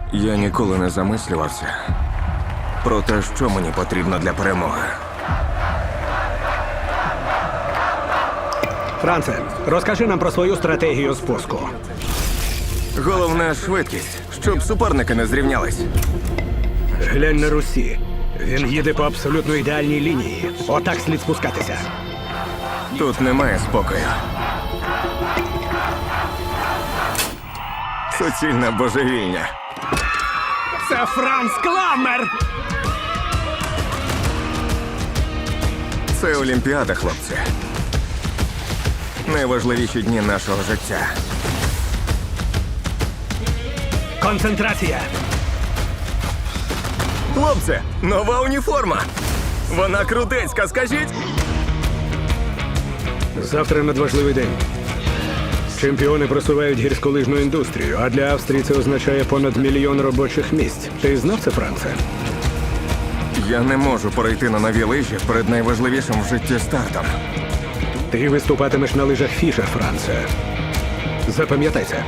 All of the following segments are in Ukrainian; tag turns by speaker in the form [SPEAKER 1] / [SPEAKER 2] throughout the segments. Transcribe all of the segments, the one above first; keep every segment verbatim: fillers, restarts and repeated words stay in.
[SPEAKER 1] Я ніколи не замислювався про те, що мені потрібно для перемоги.
[SPEAKER 2] Франце, розкажи нам про свою стратегію спуску.
[SPEAKER 1] Головне – швидкість, щоб суперники не зрівнялись.
[SPEAKER 2] Глянь на Русі. Він їде по абсолютно ідеальній лінії. Отак слід спускатися.
[SPEAKER 1] Тут немає спокою. Суцільна божевільня.
[SPEAKER 2] Це Франц Кламмер!
[SPEAKER 1] Це Олімпіада, хлопці. Найважливіші дні нашого життя.
[SPEAKER 2] Концентрація!
[SPEAKER 1] Хлопці, нова уніформа! Вона крутецька, скажіть!
[SPEAKER 2] Завтра надважливий день. Чемпіони просувають гірськолижну індустрію, а для Австрії це означає понад мільйон робочих місць. Ти знав це, Франце?
[SPEAKER 1] Я не можу перейти на нові лижі перед найважливішим в житті стартом.
[SPEAKER 2] Ти виступатимеш на лижах Фіша, Франце. Запам'ятай це.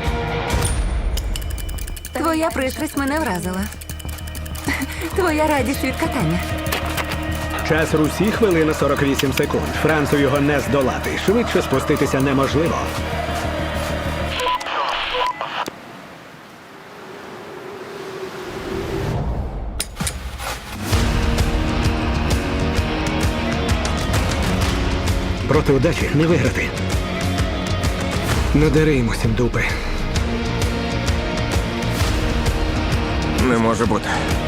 [SPEAKER 3] Твоя пристрасть мене вразила. Твоя радість від катання.
[SPEAKER 2] Час Русі хвилина сорок вісім секунд. Францу його не здолати. Швидше спуститися неможливо. Проти удачі не виграти. Надари йому сім дупи.
[SPEAKER 1] Не може бути.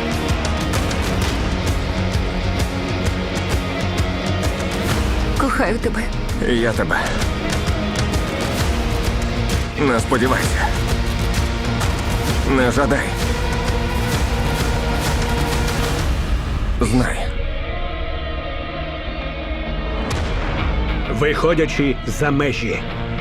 [SPEAKER 3] Кохаю тебе.
[SPEAKER 1] І я тебе. Не сподівайся. Не жадай. Знай.
[SPEAKER 2] Виходячи за межі.